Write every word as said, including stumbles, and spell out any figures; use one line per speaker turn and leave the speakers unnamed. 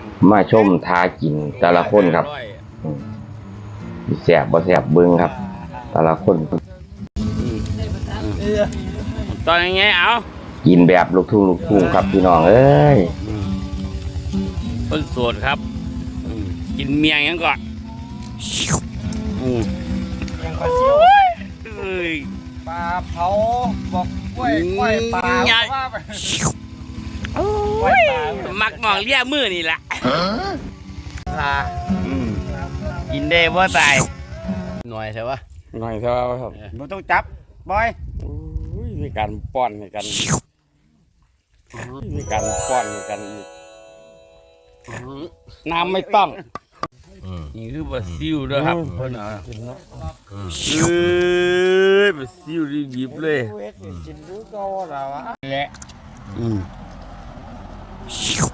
มาชมทากินแต่ละคนครับแสบบ่แสบเบิ้งครับ แต่ละคน
ตอนยังไงเอา
กินแบบลูกทุ่งลูกทุ่งครับพี่น้องเอ้ย
คนโสดครับกินเมียงยังก่อน
ยังปลาซิ่วปลาเผาบอกกล้วยกล้วยปลาว่าไปกล้วยปลา
มักมองเลี้ยมือนี่แหละ
ปลา
กินได้บ่ตายหน่อยใช่ปะ
หน่อยเท่าครับ
เราต้องจับบอย
มีการป้อนในกันมีการป้อนในกันน้ำไม่ต้อง
นี่คือปลาซิวด้วยครับเพื่อนเอาเอ้ยปลาซิวดิบๆเลย
กินดูก็ว่าเราอะ
แหละ